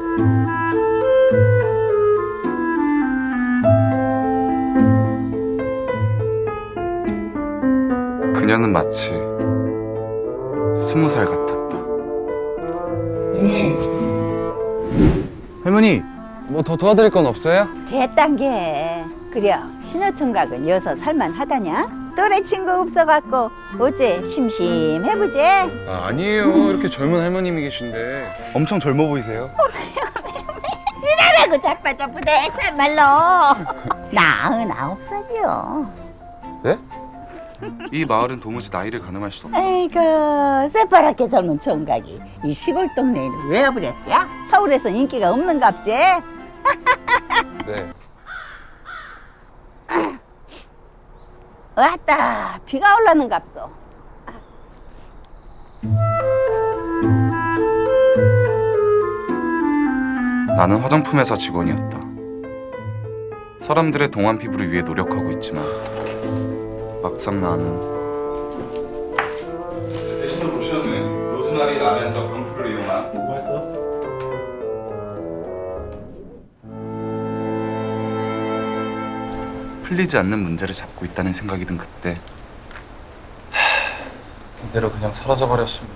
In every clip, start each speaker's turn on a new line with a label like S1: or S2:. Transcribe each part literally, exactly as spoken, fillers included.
S1: 그녀는 마치 스무 살 같았다.
S2: 할머니, 뭐 더 도와드릴 건 없어요?
S3: 됐단 게. 그래, 신호총각은 여서 살만하다냐? 또래 친구 없어갖고 어째 심심해보지?
S2: 아, 아니에요. 이렇게 젊은 할머님이 계신데 엄청 젊어 보이세요.
S3: 지랄하고 자빠자쁘대 참말로. 나흔 아홉 살이요.
S2: 네?
S1: 이 마을은 도무지 나이를 가늠할 수 없다.
S3: 아이고, 새파랗게 젊은 총각이 이 시골 동네에는 왜 와버렸대? 서울에선 인기가 없는갑지?
S2: 네.
S3: 왔다, 비가 올라는갑소.
S1: 나는 화장품 회사 직원이었다. 사람들의 동안 피부를 위해 노력하고 있지만 막상 나는 대신에 보시면은 로즈마리 라벤더 병풀을 이용한
S4: 뭐 했어?
S1: 풀리지 않는 문제를 잡고 있다는 생각이 든 그때
S2: 이대로 그냥 사라져 버렸으면.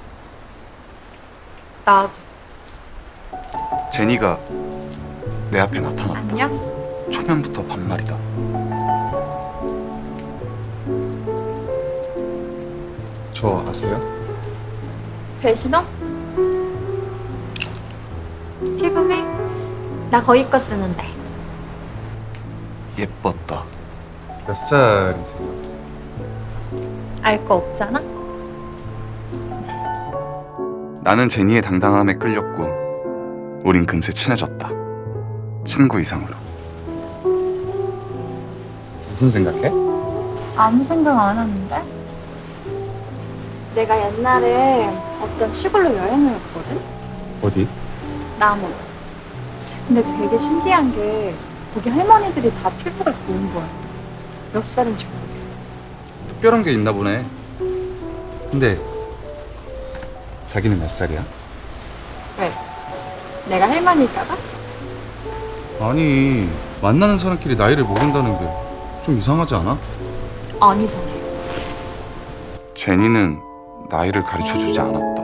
S5: 나
S1: 제니가 내 앞에 나타났다.
S5: 안녕?
S1: 초면부터 반말이다.
S2: 저 아세요?
S5: 배신호? 피부미? 나 거기 거 쓰는데.
S1: 예뻤다.
S2: 몇 살이세요?
S5: 알 거 없잖아?
S1: 나는 제니의 당당함에 끌렸고 우린 금세 친해졌다. 친구 이상으로.
S2: 무슨 생각해?
S5: 아무 생각 안 하는데? 내가 옛날에 어떤 시골로 여행을 갔거든?
S2: 어디?
S5: 남원. 근데 되게 신기한 게 거기 할머니들이 다 피부가 좋은 거야. 몇 살인지 모르겠어.
S2: 특별한 게 있나 보네. 근데 자기는 몇 살이야?
S5: 왜? 내가 할머니일까봐?
S2: 아니, 만나는 사람끼리 나이를 모른다는 게 좀 이상하지 않아?
S5: 안 이상해.
S1: 제니는 나이를 가르쳐주지 않았다.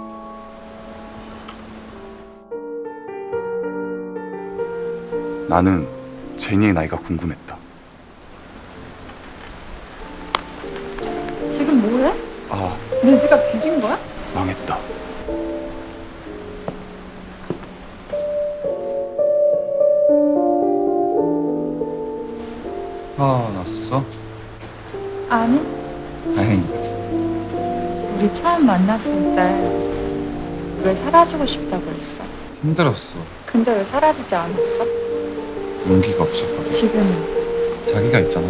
S1: 나는 제니의 나이가 궁금했다.
S5: 지금 뭐해?
S1: 아,
S5: 내 지갑 뒤진 거야?
S1: 망했다.
S2: 아, 났어?
S5: 아니.
S2: 다행이다.
S5: 우리 처음 만났을 때 왜 사라지고 싶다고 했어?
S2: 힘들었어.
S5: 근데 왜 사라지지 않았어?
S2: 용기가 없었거든.
S5: 지금은
S2: 자기가 있잖아.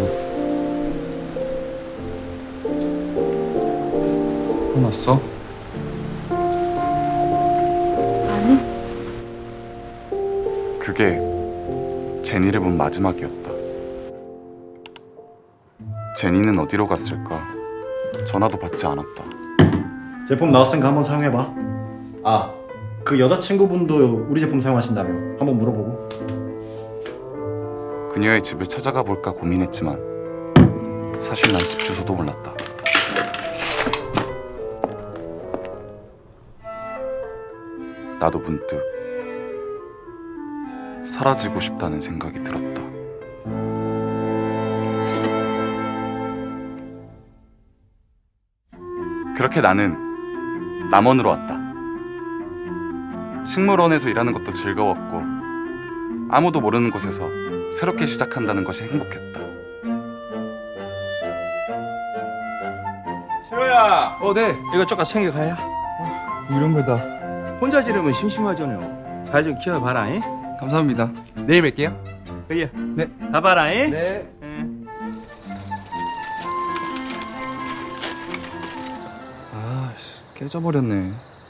S2: 화났어?
S5: 아니.
S1: 그게 제니를 본 마지막이었다. 제니는 어디로 갔을까? 전화도 받지 않았다.
S4: 제품 나왔으니까 한번 사용해봐.
S2: 아,
S4: 그 여자친구분도 우리 제품 사용하신다며. 한번 물어보고.
S1: 그녀의 집을 찾아가 볼까 고민했지만 사실 난 집 주소도 몰랐다. 나도 문득 사라지고 싶다는 생각이 들었다. 그렇게 나는 남원으로 왔다. 식물원에서 일하는 것도 즐거웠고 아무도 모르는 곳에서 새롭게 시작한다는 것이 행복했다.
S6: 신호야,
S2: 어, 네.
S6: 이거 조금 챙겨가야.
S2: 이런 거다.
S6: 혼자 지르면 심심하잖아요. 잘 좀 키워봐라, 잉?
S2: 감사합니다. 내일 뵐게요.
S6: 그래.
S2: 네.
S6: 가봐라, 잉?
S2: 네.
S6: 응.
S2: 아, 깨져버렸네.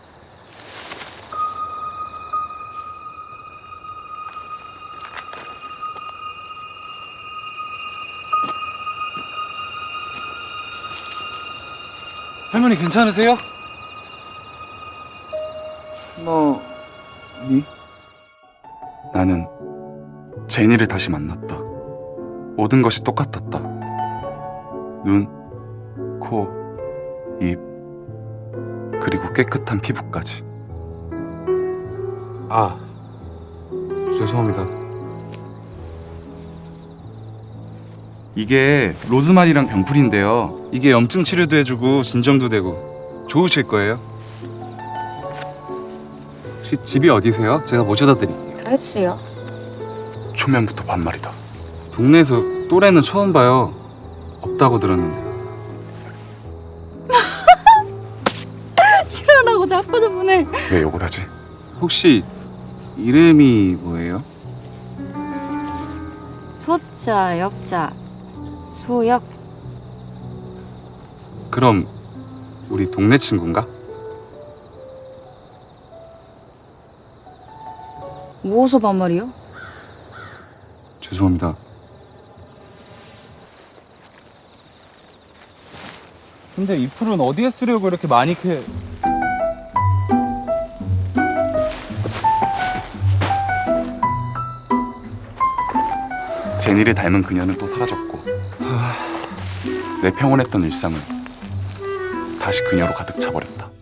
S2: 할머니 괜찮으세요? 너, 니?
S1: 나는 제니를 다시 만났다. 모든 것이 똑같았다. 눈, 코, 입, 그리고 깨끗한 피부까지.
S2: 아, 죄송합니다.
S1: 이게 로즈마리랑 병풀인데요. 이게 염증 치료도 해주고 진정도 되고 좋으실 거예요.
S2: 혹시 집이 어디세요? 제가 모셔다 드릴게요.
S5: 다 해주세요.
S1: 초면부터 반말이다.
S2: 동네에서 또래는 처음 봐요. 없다고 들었는데.
S7: 출연하고 자꾸 저번에
S1: 왜 욕을 하지?
S2: 혹시 이름이 뭐예요?
S5: 소자, 역자, 소역.
S2: 그럼 우리 동네 친구인가?
S5: 무엇서 반말이요?
S2: 죄송합니다. 근데 이 풀은 어디에 쓰려고 이렇게 많이 캐...
S1: 제니를 닮은 그녀는 또 사라졌고 내 평온했던 일상은 다시 그녀로 가득 차버렸다.